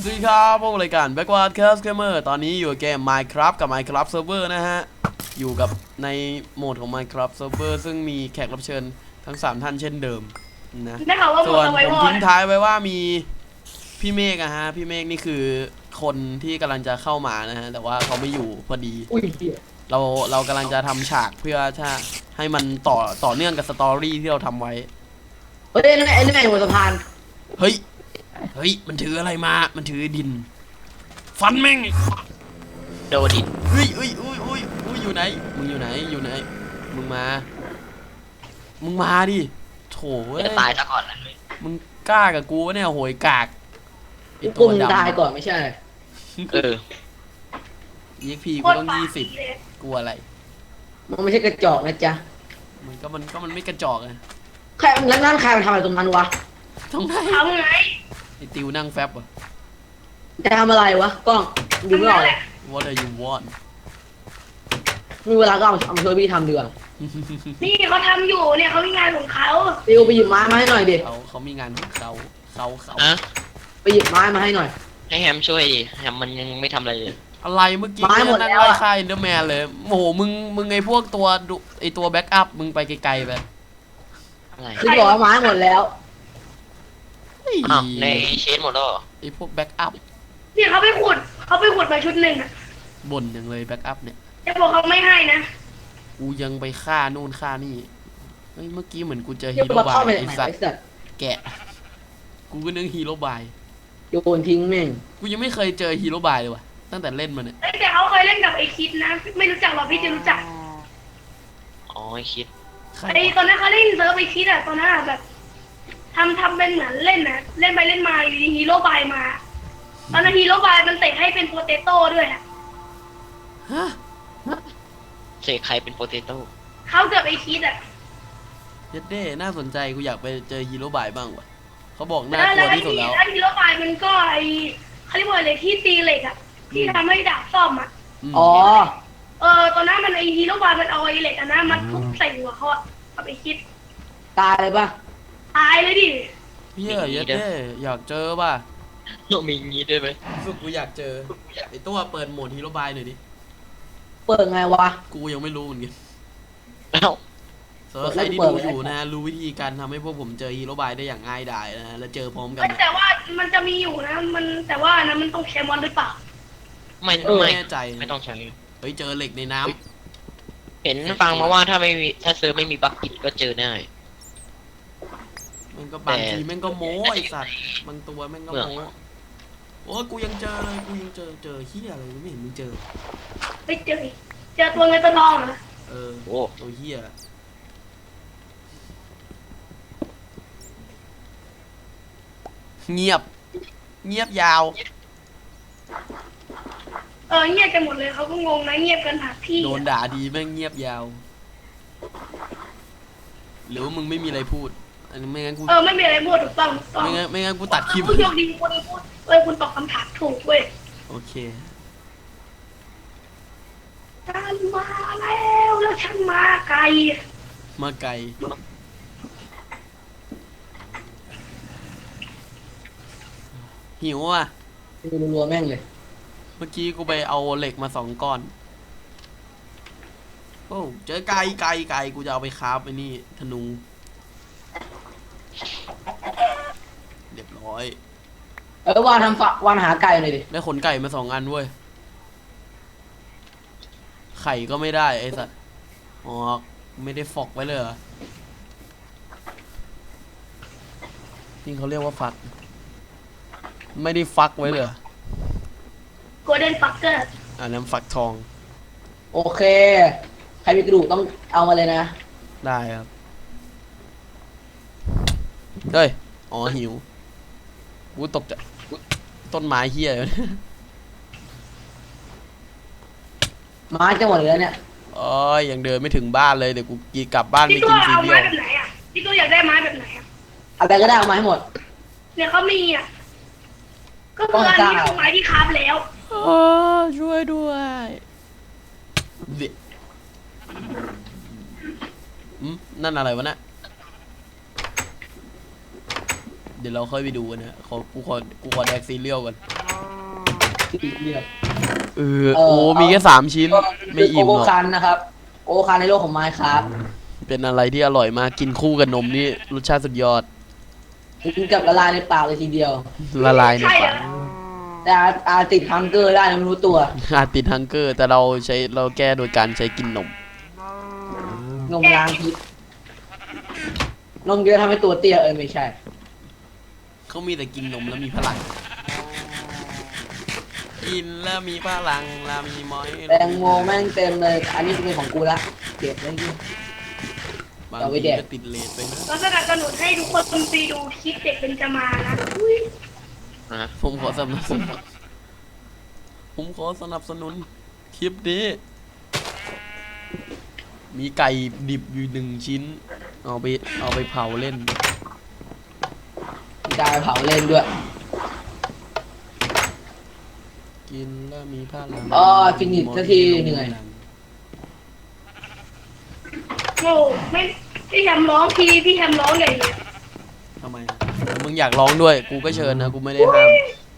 วัสดีครับพวกรายการ Backward Cast Gamer ตอนนี้อยู่เกม Minecraft กับ Minecraft Server นะฮะอยู่กับในโหมดของ Minecraft Server ซึ่งมีแขกรับเชิญทั้ง3ท่านเช่นเดิมนะส่วนผมทิ้งท้ายไว้ว่ามีพี่เมฆอะฮะพี่เมฆนี่คือคนที่กำลังจะเข้ามานะฮะแต่ว่าเขาไม่อยู่พอดีเรากำลังจะทำฉากเพื่อให้มันต่อเนื่องกับสตอรี่ที่เราทำไว้เฮ้ยนั่นไงบนสะพานเฮ้ยมันถืออะไรมามันถือดินฟันแม่งโดนดิเฮ้ยอยู่ไหนมึงอยู่ไหนมึงมาดิโถเว้ยจะตายซะก่อนนะมึงกล้ากับกูเนี่ยโหยกากไอตัวดำตายก่อนไม่ใช่ EXP กูต้อง20กูอะไรมันไม่ใช่กระจอกนะจ๊ะมันไม่กระจอกไงใครแล้วนั่นใครมันทำอะไรตรงนั้นวะทำไงไอติวนั่งแฟบอ่ะจะทำอะไรวะกล้องดูไม่ออกเลย What do you want มีเวลาก็เอามาช่วยพี่ทำดีกว่านี่เขาทำอยู่เนี่ยเขามีงานของเขาติวไปหยิบไม้มาให้หน่อยดิเขามีงานของเขาไปหยิบไม้มาให้หน่อยให้แฮมช่วยดิแฮมมันยังไม่ทำอะไรเลยอะไรเมื่อกี้นั่งไล่ฆ่าอินเดอร์แมนเลยโอ้โหมึงไอพวกตัวแบ็กอัพมึงไปไกลๆไปคือบอกว่าไม้หมดแล้วในเชนหมดแล้วไอพวกแบ็กอัพเนี่ยเขาไปขุดมาชุดหนึ่งอะบ่นอย่างเลยแบ็กอัพเนี่ยจะบอกเขาไม่ให้นะกูยังไปฆ่านู่นฆ่านี่เฮ้ยเมื่อกี้เหมือนกูเจอฮีโร่บายไอสัตว์แกะกูก็นึกฮีโร่บายโยนทิ้งแม่งกูยังไม่เคยเจอฮีโร่บายเลยว่ะตั้งแต่เล่นมาเนี่ยแต่เขาเคยเล่นกับไอคิดนะไม่รู้จักหรอพี่จะรู้จักอ๋อไอคิดไอตอนนั้นเขาเล่นเซิร์ฟไอคิดอะตอนนั้นแบบทำเป็นเหมือนเล่นนะเล่นไปเล่นมาฮีโร่บายมาตอนนั้นฮีโร่บายมันเตะให้เป็นโปเตโต้ด้วยอะฮะเสกใครเป็นโปเตโต้เขาเกือบไอคิดอะเย็ดเด้น่าสนใจกูอยากไปเจอฮีโร่บายบ้างว่ะเขาบอกน่ากลัวที่สุดแล้วฮีโร่บายมันก็ไอเขาเรียกว่าอะไรที่ตีเหล็กอะที่ทำให้ดาบซ่อมอะอ๋อตอนนั้นมันไอฮีโร่บายมันเอาไอเหล็กอะนะมันทุบใส่หัวเขาอะกับไอคิดตายเลยปะตายเลยดิเฮียเย็ดเด้อยากเจอป่ะมีงี้ด้วยไหมสุดกูอยากเจอไอตัวเปิดโหมดฮีโร่บายหน่อยดิเปิดไงวะกูยังไม่รู้เหมือนกันแล้วสำหรับใครที่ดูอยู่นะรู้วิธีการทำให้พวกผมเจอฮีโร่บายได้อย่างง่ายดายนะแล้วเจอพร้อมกันแต่ว่ามันจะมีอยู่นะแต่ว่านะมันต้องใช้มอนหรือเปล่าไม่แน่ใจไม่ต้องใช้เฮ้ยเจอเหล็กในน้ำเห็นฟังมาว่าถ้าเซิร์ฟไม่มีบัคกิตก็เจอได้มันก็บางทีแม่งก็โม้ไอสัตว์บางตัวแม่งก็โม้โอ้กูยังเจอเลยกูยังเจอเฮียอะไรไม่เห็นมึงเจอไม่เจอตัวเงินตัวทองเหรอโอ้ตัวเฮียเงียบยาวเงียบกันหมดเลยเขาก็งงนะเงียบกันหาที่โดนด่าดีแม่งเงียบยาวหรือว่ามึงไม่มีอะไรพูดอันนี้ไม่งั้นกูไม่มีอะไรพูดถูกต้องไม่งั้นกูตัดคลิปคุณโชคดีคุณพูดคุณตอบคำถามถูกเว้ยโอเคฉันมาแล้วฉันมาไกลหิวอ่ะรัวแม่งเลยเมื่อกี้กูไปเอาเหล็กมา2 ก้อนโอ้เจอไก่กูจะเอาไปคราฟไอ้นี่ธนูเรียบร้อยวานหาไก่หน่อยดิได้ขนไก่มา2 อันเว้ยไข่ก็ไม่ได้ไอ้สัตว์อ๋อไม่ได้ฟอกไว้เลยเหรอนี่เขาเรียกว่าฟักไม่ได้ฟักไว้เลยโกลเด้นฟักเกอร์อันนั้นฟักทองโอเคใครมีกระดูกต้องเอามาเลยนะได้ครับเฮ้ยอ๋อหิวกูตกจากต้นไม้เฮียเลยไม้จะหมดเลยเนี่ยยังเดินไม่ถึงบ้านเลยเดี๋ยวกูกลับบ้านไปกินซีเรียลพี่ตัวอยากได้ไม้แบบไหนอ่ะอะไรก็ได้เอามาให้หมดเนี่ยเขามีอ่ะก็คืออันนี้คือไม้ที่คราฟแล้วช่วยด้วยนั่นอะไรวะเนี่ยเดี๋ยวเราค่อยไปดูกันนะกูขอแดกซีเรียลกันเรียบโอ้มีแค่3 ชิ้นไม่อิ่มโกหรโก้อกคันนะครับโกโก้คันในโลกของไมค์ครับเป็นอะไรที่อร่อยมากกินคู่กับนมนี่รสชาติสุดยอดกินกับละลายในปากเลยทีเดียวละลายในใช่เหรปาอกแต่อาติดฮังเกอร์ได้นะไม่รู้ตัวอาจติดฮังเกอร์ แต่เราแก้โดยการใช้กินนมนมล้างพิษนมเยอะทำให้ตัวเตี้ยไม่ใช่เขามีแต่กินนมแล้วมีพลัง กินแล้วมีพลังแล้วมีม้อยแตงโมแม่งเต็มเลย อันนี้เป็นของกูละเก็บไว้ที่บางเอาไว้ทีแดกก็ติดเลทไปนะเราสนับสนุนให้ทุกคนไปดูคลิปเด็กเป็นจะมานะอุ๊ยผมขอสนับสนุนคลิปนี้ มีไก่ดิบอยู่1 ชิ้น เอาไปเผาเล่นมีการเผาเล่นด้วยกินแล้วมีพลังอ๋อฟินิชสักทีเหนื่อยโง่ไม่พี่แฮมร้องทีพี่แฮมร้องใหญ่เลยทำไมอะมึงอยากร้องด้วย กูก็เชิญนะ กูไม่ได้ห้าม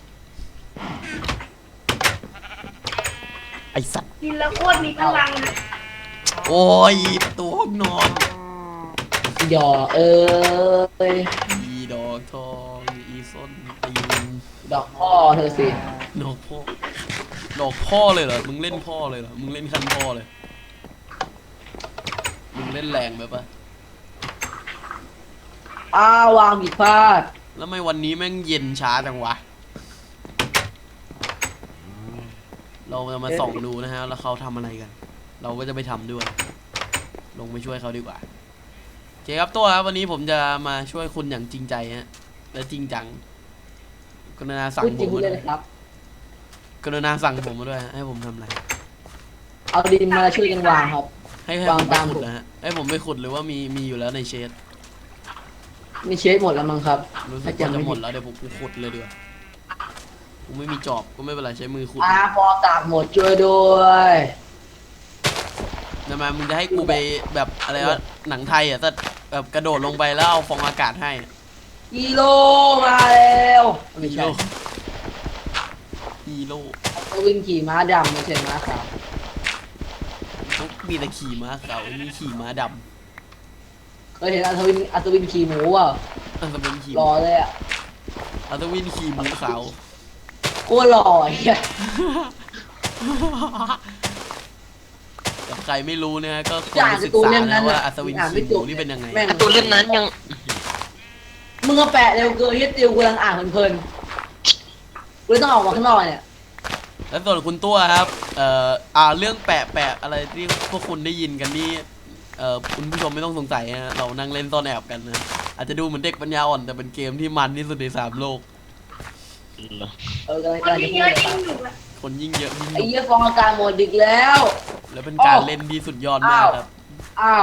ไอสัตว์กินแล้วโคตรมีพลังนะโอ้ยตัวห้องนอนหยอยอีดอกทองอีส้นตีนดอกพ่อเธอสิดอกพ่อเลยเหรอ มึงเล่นพ่อเลยเหรอ มึงเล่นคันพ่อเลย มึงเล่นแรงไปปะวางผิดพลาดแล้วไม่วันนี้แม่งเย็นช้าจังวะ เราจะมาส่องดูนะฮะ แล้วเขาทำอะไรกัน เราก็จะไปทำด้วย ลงไปช่วยเขาดีกว่าโอเคครับตัวครับวันนี้ผมจะมาช่วยคุณอย่างจริงใจฮะ และจริงจัง กรุณาสั่งพูดผจริงมพูดมาเลด้วย ยนะครับกรุณาสั่งผมมาด้วยฮะให้ผมทำอะไรเอาดินมาช่วยกันวางครับให้ผวางมไปตามขุดนะฮะให้ผมไปขุดหรือว่ามีอยู่แล้วในเชดมีเชฟหมดแล้วมั้งครับรู้สึถ้าก จำว่าจะไม่หมผิดดแล้วเดี๋ยวผมกูขุดเลยดีกว่ากูไม่มีจอบก็ไม่เป็นไรใช้มือขุดพอกากหมดช่วยด้วยทำไมมึงจะให้กูไปแบบอะไรวะหนังไทยอ่ะถ้าแบบกระโดดลงไปแล้วเอาฟองอากาศให้ฮีโร่มาแล้วไม่ฮีใช่โร่ฮีโร่เขาวิ่งขี่ม้าดำไม่ใช่ม้าขาวเขามีแต่ขี่ม้าขาวมีขี่ม้าดเคยเห็นอัศวินขี่หมูเปล่าำอัศวินขี่หล่อเลยอ่ะอัศวินขี่หมูขาวโคตรหล่อไอ้เหี้ยกับใครไม่รู้นะฮะก็ควอ่าร นศึกาก ร์ตูนษาเล่มนะนั้นว่าน่ะอัศวินอ่านไม่ขี่หจมูบนี่เป็นยังไงแม่งตัวเล่มนั้นยังมึงก็แปะเร็วเกินที่ติวกูกำลังอ่านเพลินๆกูเลยต้องออกมาข้างนอกเนี่ยแล้วส่วนคุณตัวครับ เรื่องแปะอะไรที่พวกคุณได้ยินกันนี่ คุณผู้ชมไม่ต้องสงสัยฮะเรานั่งเล่นซ่อนแอบกันนะ อาจจะดูเหมือนเด็กปัญญาอ่อนแต่เป็นเกมที่มันที่สุดใน3 โลกกำลังคนจะที่พูเยดอะเลยยิ่งหนุกอะคนยิ่งเยอะยิ่งหไอ้นุกเหี้ยฟองอากาศหมดอีกแล้วแล้วเป็นการเล่นที่สุดยอดมากครับอ้าว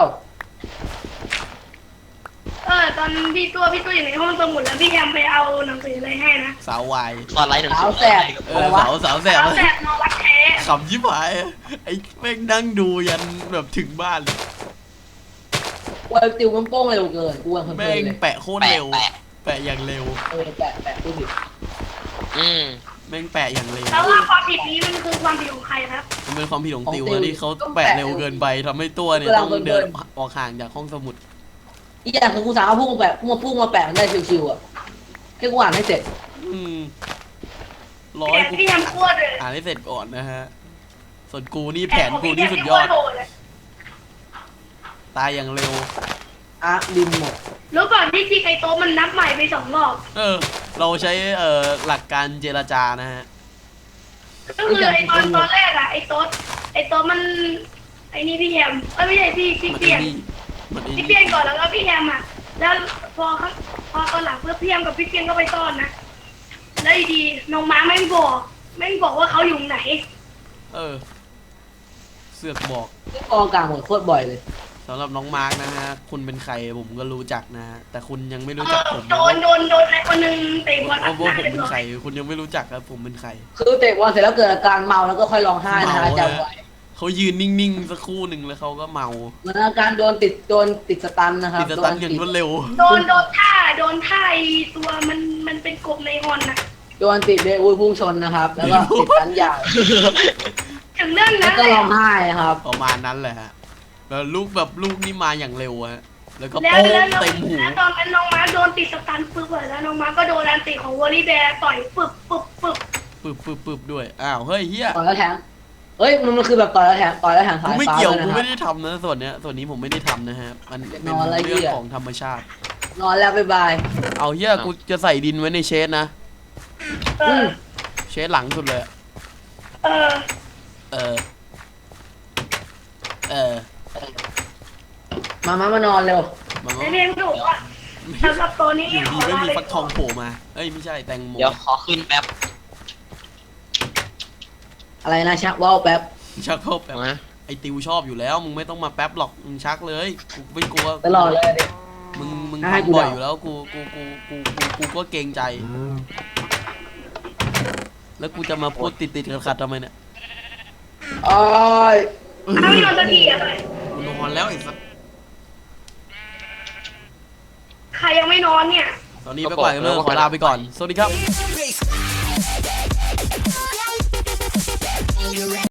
ตอนพี่ตัวอยู่ในห้องสมุดแล้วพี่แฮมไปเอาหนังสืออะไรให้นะสาววายตอนไลฟ์หนังสาสืวอแสบ อะไรวะสาวแสบเอาแบบนอวัดแท้ขำยิบหายไอ้แม่งนั่งดูยันแบบถึงบ้านเลยกูติวมันโป้งเร็วเกินกูเพลินแม่งเลยแปะโคตรเร็ว แปะอย่างเร็วแปะกูผิดอืมแม่งแปะอย่างเร็วแล้วว่าความผิดนี้มันคือความผิดของใครครับมันเป็นความผิดของติวนะที่เขาแปะเร็วเกินไปทำให้ตัวเนี่ยต้องเดินออกห่างจากห้องสมุดอีกอย่างคือกูสามารถพุ่งมาแปะมันได้ชิวๆอ่ะแค่กูอ่านให้เสร็จอืมแต่กูพี่แฮมโคตรเลยอ่านให้เสร็จก่อนนะฮะ ส่วนกูนี่แผนกูนี่สุดยอด ตายอย่างเร็วดินหมดรู้ก่อนที่ทีไคโตะมันนับใหม่ไป2 รอบเราใช้หลักการเจรจานะฮะก็คือไอตอนแรกอะไอโต๊ดมันไอนี่พี่แฮมไม่ใช่พี่มันเปีไอ้ยนนี่มันไอ้พี่นี่เปียนก่อนแล้วก็พี่แฮมอะแล้วพอตอนหลังเพื่อพี่แฮมกับพี่เปียนก็ไปต้อนนะแล้วอยู่ดีน้องม้าแม่งบอกว่าเขาอยู่ไหนเสือกบอกที่ฟองอากาศหมดโคตรบ่อยเลยสำหรับน้องมาร์กนะฮะ คุณเป็นใครผมก็รู้จักนะฮะ แต่คุณยังไม่รู้จักผมโดนไอคนนึงเตะบอลอัดหว่าน้าผมเรียบเป็นร้อใครยคุณยังไม่รู้จักครับผมเป็นใครคือเตะบอลเสร็จแล้วเกิดอาการเมาแล้วก็ค่อยร้องไห้นะฮะจำไว้เขายืนนิ่งๆสักครู่หนึ่งแล้วเขาก็เมาเหมือนอาการโดนติดสตันนะครับติดสตันอย่างรวดเร็วโดนท่าไอตัวมันเป็นกบในฮอนนะโดนติดเบรกอุ้ยพุ่งชนนะครับ แล้วก็ติดสัญญาณถึงเรื่องแล้นั้วน ก็เลยร้องไห้ครับประมาณนั้นแหละฮะแล้วลูกนี่มาอย่างเร็วฮะแล้วก็แล้วโป้งแล้วเต็มหูแล้วตอนนั้นน้องมาร์คโดนติดสตันปึ๊บเลยแล้วน้องมาร์คก็โดนแอนติของวอลลี่แบร์ต่อยปึ๊บด้วยอ้าวเฮ้ยเฮียต่อยแล้วแทงเฮ้ยมันคือแบบต่อยแล้วแทงสากูยไม่ฟ้าเกี่ยวเลยกูนะคไม่รับได้ทำนะส่วนนี้ผมไม่ได้ทำนะฮะมันเป็นนอนอะไรเรื่องเหี้ยของธรรมชาตินอนแล้วบ๊ายบายเอาเฮียกูจะใส่ดินไว้ในเชสนะเออเชสหลังสุดเลยเออเออมานอนเร็วมันในเรียนถูกว่าสำหรับตัวนี้อยู่ขดีอก็ลามีไปฟักทองโผล่มาเอ้ยไม่ใช่แตงโมเดี๋ยวขอขึ้นแป๊บอะไรนะชักว่าวแป๊บชักเข้าแป๊บนะไอติวชอบอยู่แล้วมึงไม่ต้องมาแป๊บหรอกมึงชักเลยกูไม่กลัวตลอดเลยดิมึงให้กูทำบ่อยเดาอยู่แล้วกูก็เกรงใจ แล้วกูจะมาพูดติดขัดทำไมเนี่ยโอ้ยถ้าไม่นอนสักทีอะกูนอนแล้วไอ้สัสใครยังไม่นอนเนี่ยตอนนี้ไปก่อนเรื่องขอลาไปก่อน สวัสดีครับ